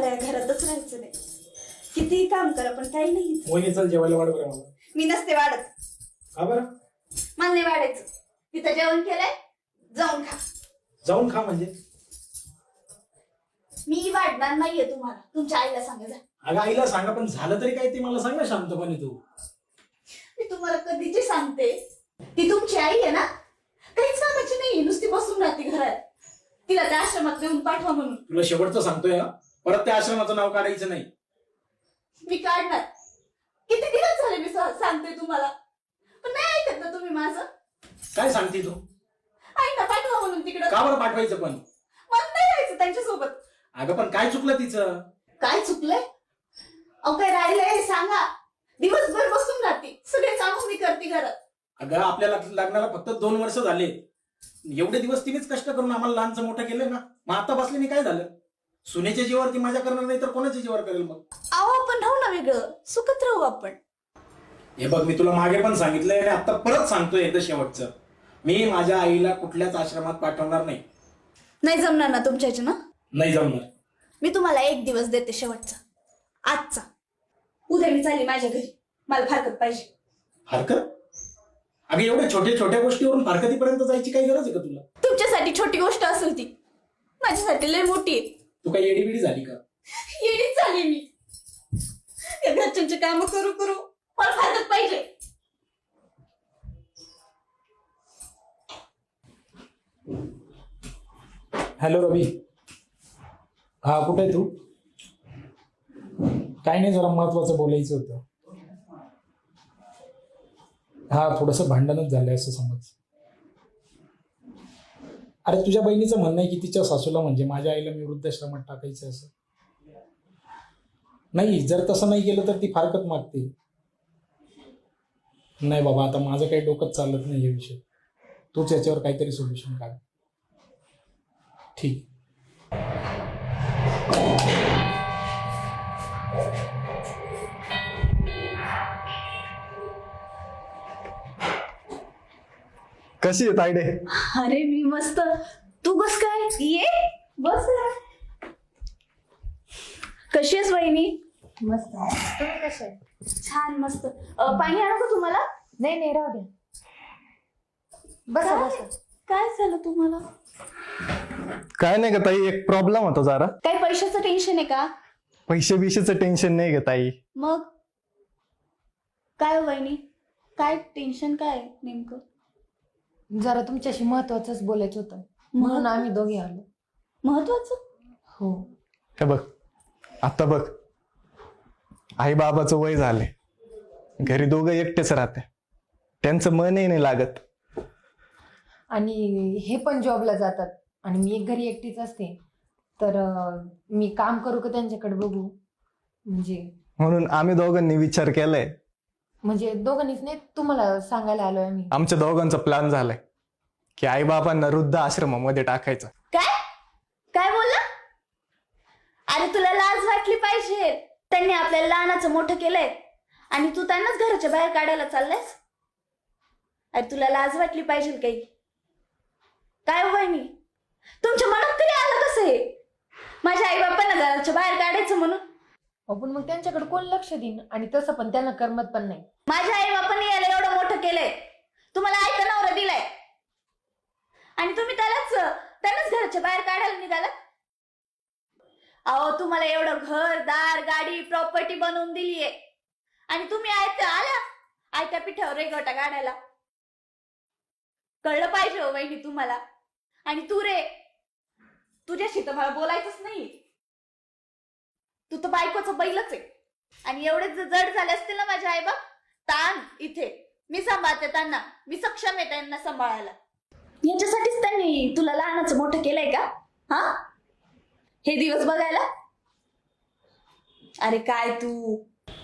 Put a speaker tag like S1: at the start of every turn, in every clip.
S1: मला या घरातच राहायचं नाही. कितीही काम करा पण काही नाही.
S2: वहिनी चल जेवायला वाढ बरं मला.
S1: मी नसते वाढत.
S2: का बरं?
S1: मला नाही वाढायचं. तिथं जेवण केलंय, जाऊन खा.
S2: जाऊन खा म्हणजे?
S1: मी वाढणार नाहीये तुम्हाला. तुमच्या आईला सांगा जा.
S2: अगं आईला सांगा, पण झालं तरी काय ते मला सांग ना शांतपणे तू.
S1: मी तुम्हाला कधीची सांगते, ती तुमची आई आहे ना, काहीच कामाची नाही. नुसती बसून राहते घरात. तिला त्या आश्रमात नेऊन पाठवा म्हणून.
S2: तुला शेवटचं सांगतोय, परत त्या आश्रमाचं नाव काढायचं नाही.
S1: मी काढणार. किती दिवस झाले मी सांगते तुम्हाला, पण नाही ऐकत ना तुम्ही माझं.
S2: काय सांगते तू?
S1: आई ना पाठवा म्हणून तिकडं.
S2: का बरं पाठवायचं पण?
S1: मला नाही राहायचं त्यांच्यासोबत.
S2: अगं पण काय चुकलं तिचं?
S1: काय चुकलंय? अहो काय राहिलंय हे सांगा. दिवसभर बसून राहते, सगळे कामं मी करते घरात.
S2: अगं आपल्या लग्नाला फक्त 2 वर्ष झाले. एवढे दिवस तिनेच कष्ट करून आम्हाला लहानचं मोठं केलंय ना. मग आता बसल्याने काय झालं? सुनेच्या जीवावर ती माझ्या करणार नाही तर कोणाच्या जीवावर करेल मग?
S1: अहो आपण राहू ना वेगळं, सुखत राहू आपण.
S2: हे बघ, मी तुला मागे पण सांगितलंय आणि आता परत सांगतोय एकदा शेवटचं. मी माझ्या आईला कुठल्याच आश्रमात पाठवणार नाही.
S1: नाही जमणार ना तुमच्याची ना?
S2: नाही जमणार.
S1: मी तुम्हाला 1 दिवस देते शेवटचा, आजचा. उद्या मी चालली माझ्या घरी. मला फारकत पाहिजे.
S2: हरकत? अगं एवढ्या छोट्या छोट्या गोष्टीवरून फारकतीपर्यंत जायची काही गरज आहे का तुला?
S1: तुमच्यासाठी छोटी गोष्ट असेल ती, माझ्यासाठी लय मोठी आहे.
S2: तू काही एडीबिडी झाली का?
S1: येडीच झाली मी. या घरच्यांची काम करू करू मला फारकत पाहिजे.
S2: हॅलो रवी. हा, कुठे आहे तू? काही नाही, जरा महत्वाचं बोलायचं होतं. हा, थोडंसं भांडणच झालंय असं समज. अरे तुझ्या बहिणीचं म्हणणं आहे की तिच्या सासूला म्हणजे माझ्या आईला मी वृद्धाश्रमात टाकायचं असं. नाही, जर तसं नाही केलं तर ती फारकत मागते. नाही बाबा, आता माझं काही डोकंच चालत नाही हे विषय. तूच याच्यावर काहीतरी सोल्युशन काढ. ठीक.
S3: कशी आहे तायडे?
S1: अरे मी मस्त. तू कस काय? ये बस. कशी आहेस वहिनी?
S4: मस्त. तुम्ही कसे आहे?
S1: छान मस्त. पाणी आणू का तुम्हाला?
S4: नाही नाही, राहू द्या. बसा
S1: काय?
S4: बसा.
S1: काय झालं तुम्हाला?
S3: काय नाही ग ताई, एक प्रॉब्लेम होता जरा.
S1: काही पैशाचं टेन्शन आहे का?
S3: पैसे बिशेचं टेन्शन नाही ग ताई.
S1: मग काय वहिनी, काय टेन्शन काय नेमकं?
S4: जरा तुमच्याशी महत्वाचंच बोलायचं होतं, म्हणून आम्ही दोघे आलो.
S1: महत्वाचं?
S4: हो.
S3: हे बघ, आता बघ, आई बाबाचं वय झाले, घरी दोघं एकटेच राहते, त्यांचं मनही नाही लागत.
S4: आणि हे पण जॉबला जातात आणि मी एक घरी एकटीच असते, तर मी काम करू का त्यांच्याकडे बघू?
S3: म्हणून आम्ही दोघांनी विचार केलाय.
S4: म्हणजे दोघांनीच नाही, तुम्हाला सांगायला आलोय आम्ही.
S3: आमच्या दोघांचा प्लॅन झालाय की आई बाबांना वृद्ध आश्रमामध्ये टाकायचं.
S1: काय काय बोलला? अरे तुला लाज वाटली पाहिजे. त्यांनी आपल्याला लहानाचं मोठं केलंय आणि तू त्यांनाच घराच्या बाहेर काढायला चाललायस. अरे तुला लाज वाटली पाहिजे काही. काय हो वहिनी, तुमच्या मनात तरी आलं कसं हे माझ्या आई बापांना घराच्या बाहेर काढायचं म्हणून?
S4: पण मग त्यांच्याकडे कोण लक्ष देईन, आणि तसं पण त्यांना करमत पण नाही.
S1: माझ्या आई बापांनी याला एवढं मोठं केलंय, तुम्हाला ऐका नवरा दिलाय आणि तुम्ही त्यांनाच घराच्या बाहेर काढायला निघाला. अहो तुम्हाला एवढं घर दार गाडी प्रॉपर्टी बनवून दिलीये आणि तुम्ही आयत्या पिठावर रेगोटा काढायला. कळलं पाहिजे हो वहिनी तुम्हाला. आणि तू रे, तुझ्याशी तर मला बोलायचंच नाही. तू तर बायकोचं बैलच आहे. आणि एवढे जड झाले असतील ना माझे आई बाप, ताण इथे मी सांभाळते त्यांना. मी सक्षम आहे त्यांना सांभाळायला. याच्यासाठीच त्यांनी तुला लहानाचं मोठं केलंय का? हा, हे दिवस बघायला? अरे काय तू.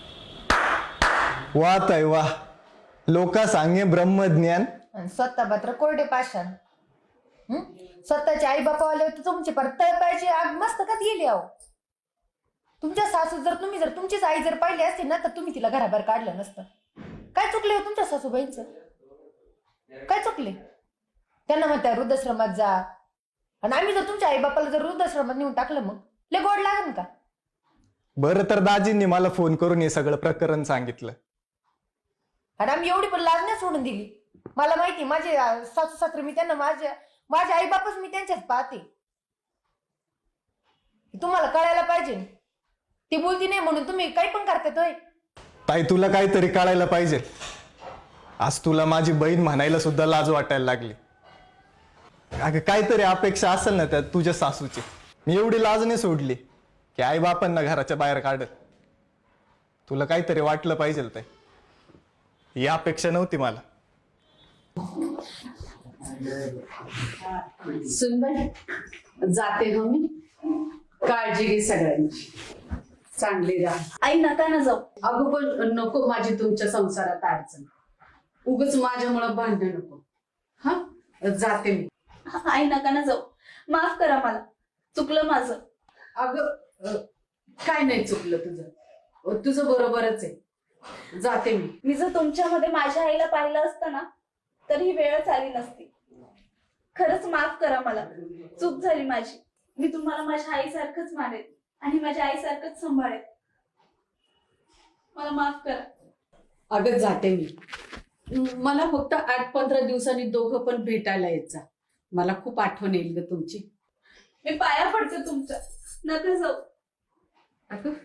S3: वा ताई वा, लोका सांगे ब्रह्मज्ञान
S4: आणि स्वतः मात्र कोरडे पाषाण. स्वतःचे आई बापावाले होते तुमचे, परत पाहिजे आग मस्त का गेली. अहो तुमच्या सासू जर तुमचीच आई जर पाहिली असती ना, तर तुम्ही तिला घराबाहेर काढलं नसतं. काय चुकले हो तुमच्या सासूबाईंचं? काय चुकले? त्यांना म्हणत्या वृद्धाश्रमात जा, आणि आम्ही जर तुमच्या आई बापाला जर वृद्धाश्रमात नेऊन टाकलं, मग लय गोड लागेल का?
S3: बरं तर दाजींनी मला फोन करून हे सगळं प्रकरण सांगितलं.
S4: आणि आम्ही एवढी पण लाज नाही सोडून दिली. मला माहिती माझे सासू सासरे मी त्यांना माझे आई बापच मी त्यांच्यात पाहते. तुम्हाला कळायला पाहिजे. ती बोलती नाही म्हणून तुम्ही काही पण करतात होय.
S3: ताई तुला काहीतरी कळायला पाहिजे. आज तुला माझी बहीण म्हणायला सुद्धा लाज वाटायला लागली. अगं काहीतरी अपेक्षा असेल ना त्यात तुझ्या सासूची. मी एवढी लाज नाही सोडली की आई बापांना घराच्या बाहेर काढत. तुला काहीतरी वाटलं पाहिजे ताई. ही अपेक्षा नव्हती मला.
S5: सुनबाई जाते हो मी. काळजी घे सगळ्यांची. चांगली राहा.
S1: आई नका ना जाऊ.
S5: अगं पण नको माझी तुमच्या संसारात अडचण. उगच माझ्यामुळं भांडण नको. हा जाते मी.
S1: आई नका ना जाऊ. माफ करा मला. चुकलं माझं.
S5: अगं काय नाही चुकलं तुझं. तुझं बरोबरच आहे. जाते मी.
S1: मी जर तुमच्यामध्ये माझ्या आईला पाहिलं असतं ना तर ही वेळच आली नसती. खरंच माफ करा मला. चूक झाली माझी. मी तुम्हाला माझ्या आईसारखंच मानेल आणि माझ्या आईसारखंच सांभाळेल. मला माफ करा.
S5: अगं जाते मी. मला फक्त 8-15 दिवसांनी दोघं पण भेटायला येत जा. मला खूप आठवण येईल ग तुमची.
S1: मी पाया पडते तुमच्या. नका जाऊ.
S5: अगं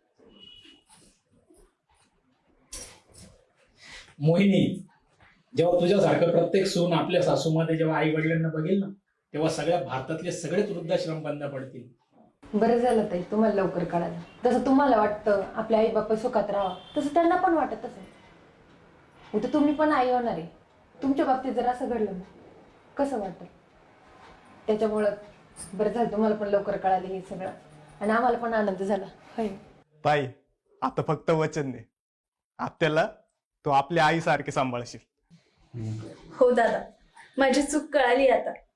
S2: मोहिनी, जेव्हा तुझ्यासारखं प्रत्येक सून आपल्या सासूमध्ये जेव्हा आई वडिलांना बघेल ना तेव्हा सगळ्या भारतातले सगळेच वृद्धाश्रम बंद पडतील.
S4: बरं झालं ताई तुम्हाला लवकर कळालं. जसं तुम्हाला वाटतं आपले आई बाप सुखात राहावं तसं त्यांना पण वाटत असेल. उद्या तुम्ही पण आई होणार आहे. तुमच्या बाबतीत जर असं घडलं ना कसं वाटतं. त्याच्यामुळं बरं झालं तुम्हाला पण लवकर कळालं हे सगळं. आणि आम्हाला पण आनंद झाला. होय
S3: ताई आता फक्त वचन दे. आत्याला तू आपल्या आईसारखे सांभाळशील.
S1: हो दादा. माझी चूक कळाली आता.